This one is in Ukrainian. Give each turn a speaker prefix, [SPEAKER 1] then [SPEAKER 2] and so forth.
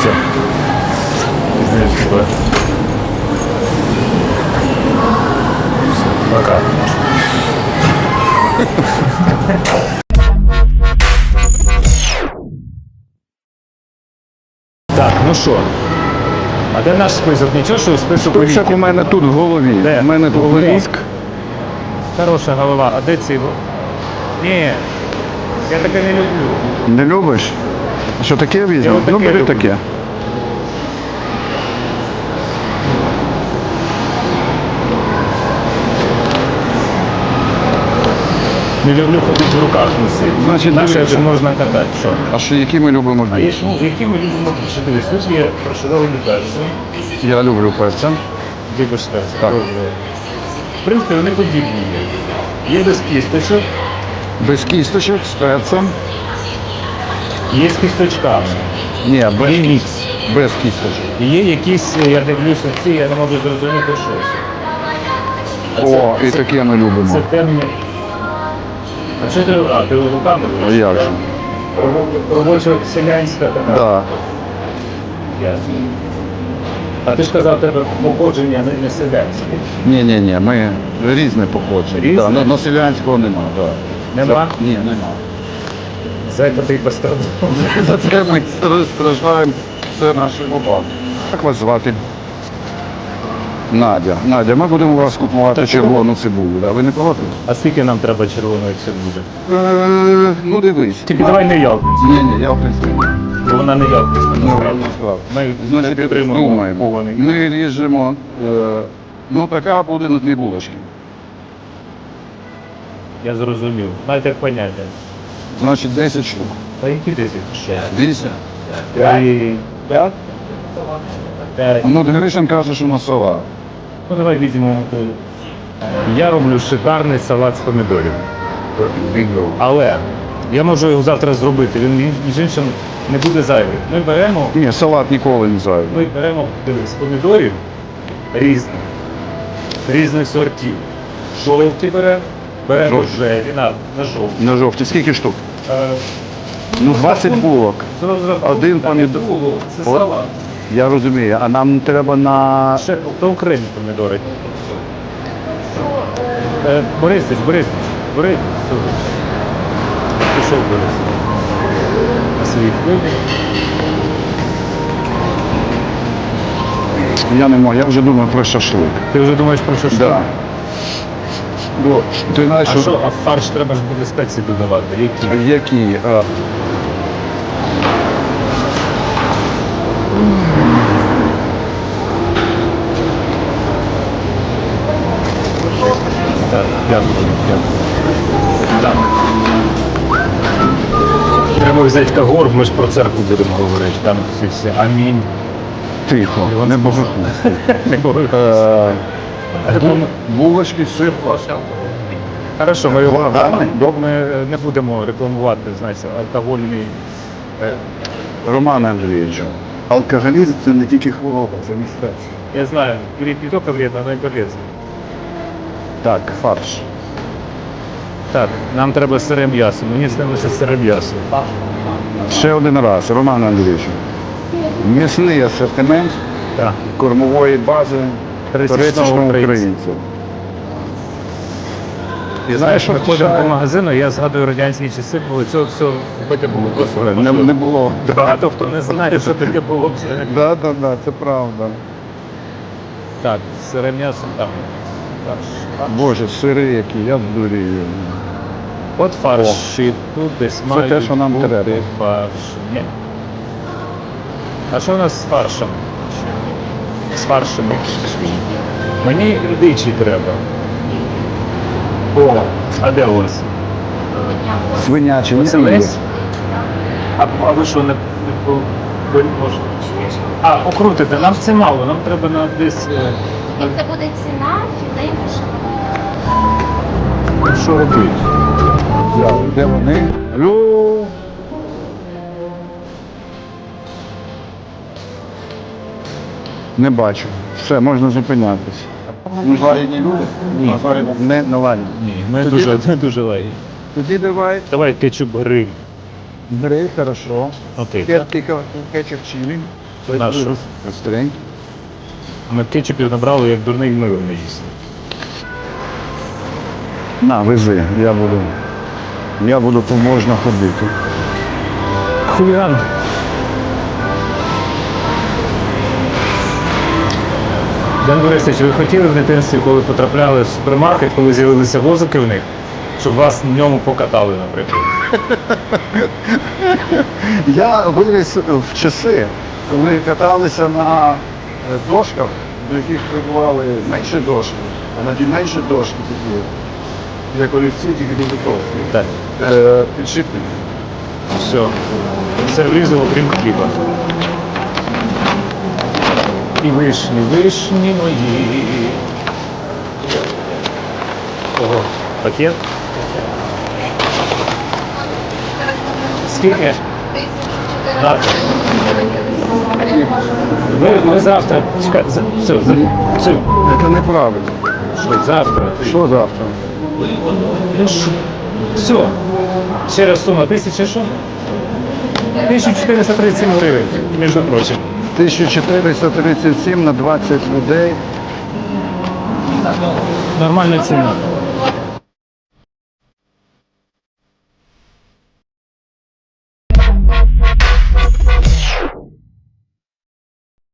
[SPEAKER 1] Все. Пока. Так, ну що? А де наш список? Нічого, що список у
[SPEAKER 2] Список у мене тут в голові.
[SPEAKER 1] Де?
[SPEAKER 2] У мене тут
[SPEAKER 1] В голові?
[SPEAKER 2] мозк.
[SPEAKER 1] Хороша голова. А де ці? Ні, я таке не люблю.
[SPEAKER 2] Не любиш? А що таке візьмемо?
[SPEAKER 1] отаке
[SPEAKER 2] Ну, бери
[SPEAKER 1] люблю.
[SPEAKER 2] таке.
[SPEAKER 1] Не люблю ходити в руках носити.
[SPEAKER 2] Значить,
[SPEAKER 1] Наше
[SPEAKER 2] дивіться.
[SPEAKER 1] ж можна катати. Що?
[SPEAKER 2] А що, які ми любимо
[SPEAKER 1] А є,
[SPEAKER 2] більше?
[SPEAKER 1] ну, які ми любимо більше? Дивись, тут є прошаровані перці.
[SPEAKER 2] Я люблю перця.
[SPEAKER 1] Любиш перці?
[SPEAKER 2] Так.
[SPEAKER 1] Добре. В принципі, вони подібні є. Є без кісточок,
[SPEAKER 2] Без кісточок, з перцем.
[SPEAKER 1] є з кісточками.
[SPEAKER 2] Ні, без,
[SPEAKER 1] Є мікс.
[SPEAKER 2] без кісточок.
[SPEAKER 1] І є якісь, я дивлюся ці, я не можу зрозуміти щось.
[SPEAKER 2] О, і таке ми
[SPEAKER 1] Це
[SPEAKER 2] любимо.
[SPEAKER 1] темні. А що ти, ти руками?
[SPEAKER 2] А як же?
[SPEAKER 1] Робоча селянська така.
[SPEAKER 2] Да.
[SPEAKER 1] Ясно. А ти ж казав, тебе походження не селянське.
[SPEAKER 2] Ні, ми різне походження.
[SPEAKER 1] Різне?
[SPEAKER 2] Да, но селянського нема. Да.
[SPEAKER 1] Нема?
[SPEAKER 2] Ні, нема.
[SPEAKER 1] Зайка ти пострадав.
[SPEAKER 2] За це ми страждаємо все наше бабки. Як вас звати? Надя. Надя, ми будемо у вас купувати червону цибулю. Да? Ви не проти?
[SPEAKER 1] А скільки нам треба червоної цибулі?
[SPEAKER 2] Ну дивись.
[SPEAKER 1] Тільки давай не ялківську,
[SPEAKER 2] Ні, я в принципі.
[SPEAKER 1] бо вона не ялківська.
[SPEAKER 2] Ну,
[SPEAKER 1] насправді.
[SPEAKER 2] насправді.
[SPEAKER 1] Ми не
[SPEAKER 2] Значить,
[SPEAKER 1] підтримуємо
[SPEAKER 2] думаємо.
[SPEAKER 1] кований.
[SPEAKER 2] Ми ріжемо, ну така буде на 2 булочки.
[SPEAKER 1] Я зрозумів. Навіть як поняття.
[SPEAKER 2] Значить 10 штук.
[SPEAKER 1] Та які 10?
[SPEAKER 2] 10?
[SPEAKER 1] 5? 5.
[SPEAKER 2] Ну, Гришин каже, що на сова.
[SPEAKER 1] Ну давай візьмемо. Я роблю шикарний салат з помідорів. Але я можу його завтра зробити, він між іншим не буде зайвий.
[SPEAKER 2] Ні, салат ніколи не зайвий.
[SPEAKER 1] Ми беремо дивись, помідорів різних сортів. Жовті беремо
[SPEAKER 2] Жовті.
[SPEAKER 1] рожеві, на жовті.
[SPEAKER 2] На жовті. Скільки штук? Ну, 20 булок. Один помідор.
[SPEAKER 1] Це
[SPEAKER 2] От.
[SPEAKER 1] салат.
[SPEAKER 2] Я розумію, а нам треба на...
[SPEAKER 1] Ще то окремі помідори. Борисич, Борис. Пішов Борис. На свій вибір.
[SPEAKER 2] Я не можу, я вже думаю про шашлик.
[SPEAKER 1] Ти вже думаєш про що?
[SPEAKER 2] Да. Бо ти знаєш,
[SPEAKER 1] А що, а в фарш треба ж буде спеції додавати? Які?
[SPEAKER 2] які...
[SPEAKER 1] Так, дякую. Так. Треба взяти Кагор, ми ж про церкву будемо говорити. Там всі амінь.
[SPEAKER 2] Тихо, не божуху.
[SPEAKER 1] Не говорю.
[SPEAKER 2] Булочки, сир,
[SPEAKER 1] Хорошо, ми його
[SPEAKER 2] Ладно.
[SPEAKER 1] ми не будемо рекламувати, знаєте, алкогольний.
[SPEAKER 2] Роман Андрійович, алкоголізм – це не тільки хвороба, це мистецтво.
[SPEAKER 1] Я знаю, курить не тільки вредно, но й полезно.
[SPEAKER 2] Так, фарш.
[SPEAKER 1] Так, нам треба сире м'ясо. Мені снилося сире м'ясо.
[SPEAKER 2] Ще один раз, Роман Андрійович. М'ясний асортимент
[SPEAKER 1] Так.
[SPEAKER 2] кормової бази
[SPEAKER 1] Пересічного
[SPEAKER 2] пересічного
[SPEAKER 1] українця.
[SPEAKER 2] українця.
[SPEAKER 1] І знаєш, ми ходимо по магазину, я згадую радянські часи, коли цього всього купити було просто
[SPEAKER 2] Не було.
[SPEAKER 1] багато хто не знає, що таке було.
[SPEAKER 2] Да, це правда.
[SPEAKER 1] Так, сире м'ясо там. Фарш.
[SPEAKER 2] Боже, сири які, я здурію.
[SPEAKER 1] От фарш. І тут десь
[SPEAKER 2] Це
[SPEAKER 1] мають
[SPEAKER 2] те, що нам
[SPEAKER 1] бути
[SPEAKER 2] треба.
[SPEAKER 1] Фарш. Ні. А що у нас з фаршем? З фаршем. Мені дичі треба. О, а де у вас?
[SPEAKER 2] Свинячі, не
[SPEAKER 1] Оселець? А ви що, не ви можете? А, покрутите, нам це мало, нам треба на десь...
[SPEAKER 3] Це буде ціна, філей
[SPEAKER 1] Що робити?
[SPEAKER 2] Де вони? Алло. Не бачу. Все, можна зупинятися. Зварені люди?
[SPEAKER 1] Ні.
[SPEAKER 2] Не наварені.
[SPEAKER 1] Ні, ми
[SPEAKER 2] Тоді-
[SPEAKER 1] дуже легкі.
[SPEAKER 2] Тоді давай.
[SPEAKER 1] Давай кетчуп гриль.
[SPEAKER 2] Бери, хорошо.
[SPEAKER 1] Окей.
[SPEAKER 2] Тепер тільки кетчуп чилі.
[SPEAKER 1] Наш.
[SPEAKER 2] Ресторан.
[SPEAKER 1] Ми кетчупів набрали, як дурний мило не їсти.
[SPEAKER 2] На, вези, я буду поможна ходити.
[SPEAKER 1] Хуліган. Дан Борисович, ви хотіли в дитинстві, коли потрапляли в супермаркет, коли з'явилися возики в них, щоб вас в ньому покатали, наприклад?
[SPEAKER 2] Я виріс в часи, коли каталися на дошках, до яких прибували менші дошки, а на ті менші дошки такі, як олівці, тільки додаткові.
[SPEAKER 1] Так.
[SPEAKER 2] Підшипники.
[SPEAKER 1] Все. Все влізло, окрім хліба. І вишні, вишні мої. Ого, пакет. Скільки? Завтра. Ми завтра. Чекай, все.
[SPEAKER 2] Це неправильно.
[SPEAKER 1] Що завтра?
[SPEAKER 2] Що завтра?
[SPEAKER 1] Ну що? Все. Ще раз сума 1000 що? 1437 гривень, між прочим.
[SPEAKER 2] 1437 на 20 людей.
[SPEAKER 1] Нормальна ціна.